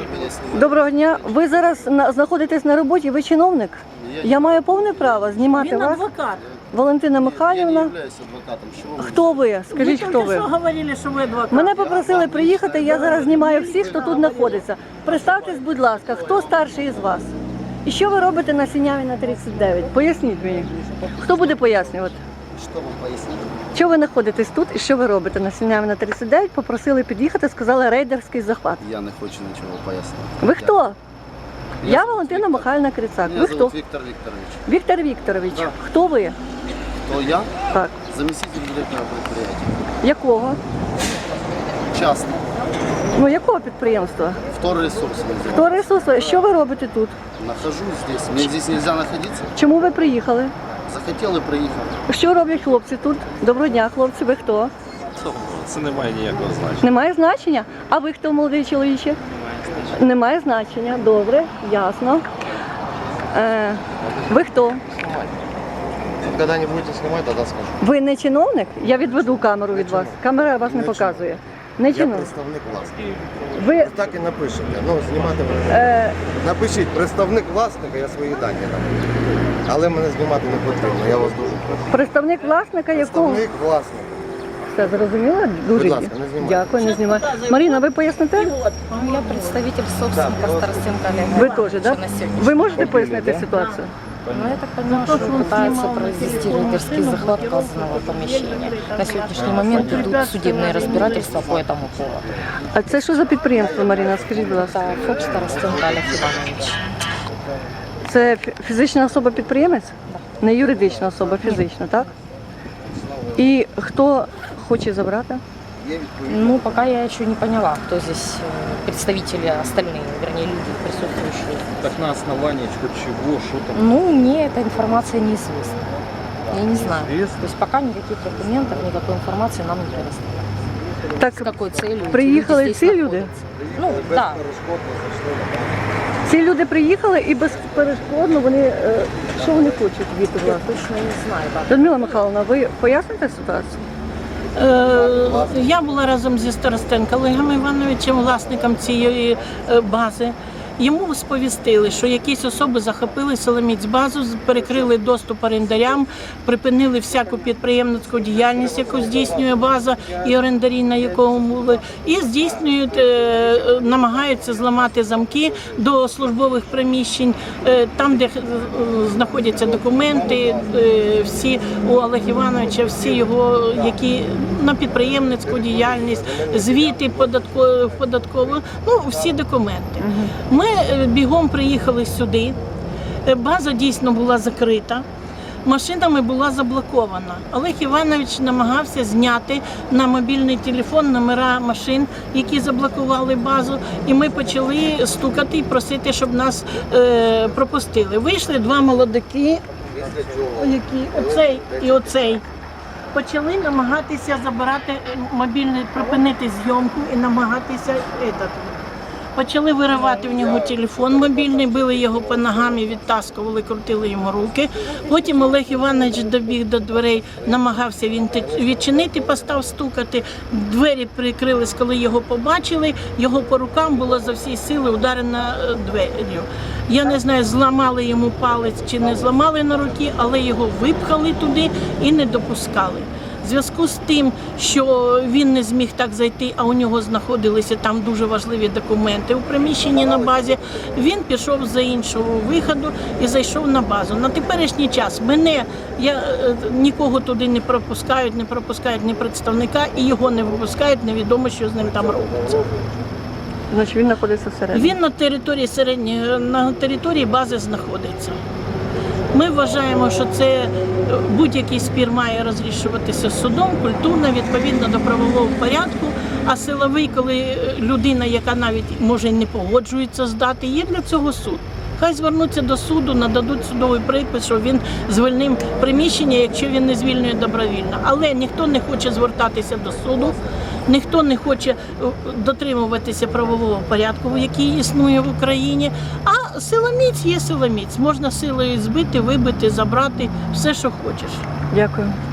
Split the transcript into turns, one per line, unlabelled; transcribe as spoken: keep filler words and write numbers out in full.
Доброго дня. Ви зараз на- знаходитесь на роботі, ви чиновник? Я маю повне право знімати
Він
вас.
адвокат.
Валентина
Я не
Михайлівна.
являюсь адвокатом. Чего вы?
Хто ви? Скажіть,
Ви
хто
тільки
ви?
що говорили, що ви адвокат.
Мене попросили приїхати, я зараз знімаю всіх, хто тут знаходиться. Представтесь, будь ласка, хто старший із вас? І що ви робите на Синявіна тридцять дев'ять? Поясніть мені. Хто буде пояснювати?
Что вам пояснить?
Що ви знаходитесь тут і що ви робите на Синявіна тридцять дев'ять? Попросили під'їхати, сказали рейдерський захват.
Я не хочу ничего пояснить.
Ви хто?
Я
Я
зовут
Валентина
Віктор.
Михайлівна Крицак.
Меня
Ви
зовут
хто?
Виктор Викторович.
Віктор Вікторович.
Да.
Хто ви?
Кто я?
Так.
Заместитель директора предприятия.
Якого?
Частный.
Ну якого підприємства?
Вторресурс. называется.
Хто ресурс? Що ви робите тут?
Нахожусь здесь. Мне здесь нельзя находиться.
Чому ви приїхали?
Захотел и приехал.
Що роблять хлопці тут? Доброго дня, хлопці. Ви хто?
Це не має ніякого значення.
Немає значення? А ви хто, молодий чоловіче? Немає значення. Добре, ясно. Е, ви хто?
Когда не будете снимать, тогда скажу.
Ви не чиновник? Я відведу камеру від вас. Камера вас не показує. Не
Я
чиновник.
представник власника.
Ви
Так і напишете. Ну, знімати ви.
е,
Напишіть представник власника, я свої дані напишу. Але мене знімати не потрібно, я вас дуже прошу.
представник власника, якого
Представник власника.
все зрозуміло? Дуже
Будь ласка, не знімайте.
дякую, не знімаю. Маріна, ви поясните?
Я представитель собственника Старостенко Олега.
Ви теж, так?
На сегодня.
Ви можете пояснити ситуацію?
Ну, я так понимаю, что пытаются произвести рейдерский захват указанного помещения. На сегодняшний момент идут судебные разбирательства по этому поводу.
А це що за підприємство, Маріна? Скажіть, будь ласка.
Это ФОП Старостенко Олег Иванович.
Це фі- фізична особа-підприємець? Не юридична особа, фізична, так? І хто хоче забрати?
Ну, пока я еще не поняла, кто здесь э, представители остальные, вернее, люди присутствующие.
Так на основании чего, что там?
Ну, мне эта информация неизвестна. Я не знаю. То есть пока никаких документов, никакой информации нам не предоставляют.
Так,
С какой целью? эти
приїхали
люди
ці
здесь
люди?
находятся? Ну, да.
Ці люди приїхали і безперешкодно вони, е, що вони хочуть від
Я
вас?
точно не знаю. Да.
Людмила Михайловна, ви поясните ситуацію?
Е, Я була разом зі Старостенко Олегом Івановичем, власником цієї е, бази. Йому сповістили, що якісь особи захопили Соломіць-базу, перекрили доступ орендарям, припинили всяку підприємницьку діяльність, яку здійснює база і орендарі, на якому були, і здійснюють, е, намагаються зламати замки до службових приміщень, е, там, де е, знаходяться документи, е, всі у Олега Івановича, всі його, які на підприємницьку діяльність, звіти податкові, податкові, ну, всі документи. Ми е, бігом приїхали сюди, Е, база дійсно була закрита, машинами була заблокована. Олег Іванович намагався зняти на мобільний телефон номера машин, які заблокували базу, і ми почали стукати і просити, щоб нас е, пропустили. Вийшли два молодики, які, оцей і оцей. Почали намагатися забирати мобільний, припинити зйомку і намагатися этот, почали виривати в нього телефон мобільний, били його по ногам і відтаскували, крутили йому руки. Потім Олег Іванович добіг до дверей, намагався він відчинити, постав стукати. Двері прикрились, коли його побачили. Його по рукам було за всі сили ударено дверю. Я не знаю, зламали йому палець чи не зламали на руки, але його випхали туди і не допускали. В зв'язку з тим, що він не зміг так зайти, а у нього знаходилися там дуже важливі документи у приміщенні на базі, він пішов за іншого виходу і зайшов на базу. На теперішній час мене, я, е, нікого туди не пропускають, не пропускають ні представника, і його не випускають, невідомо, що з ним там робиться.
Значить, він знаходиться всередині.
Він на території середньої, на території бази знаходиться. Ми вважаємо, що це будь-який спір має розрішуватися судом, культурно, відповідно до правового порядку, а силовий, коли людина, яка навіть може й не погоджується здати, є для цього суд. Хай звернуться до суду, нададуть судовий припис, що він звільнив приміщення, якщо він не звільнює добровільно. Але ніхто не хоче звертатися до суду, ніхто не хоче дотримуватися правового порядку, який існує в Україні. А силоміць є силоміць. Можна силою збити, вибити, забрати, все, що хочеш.
Дякую.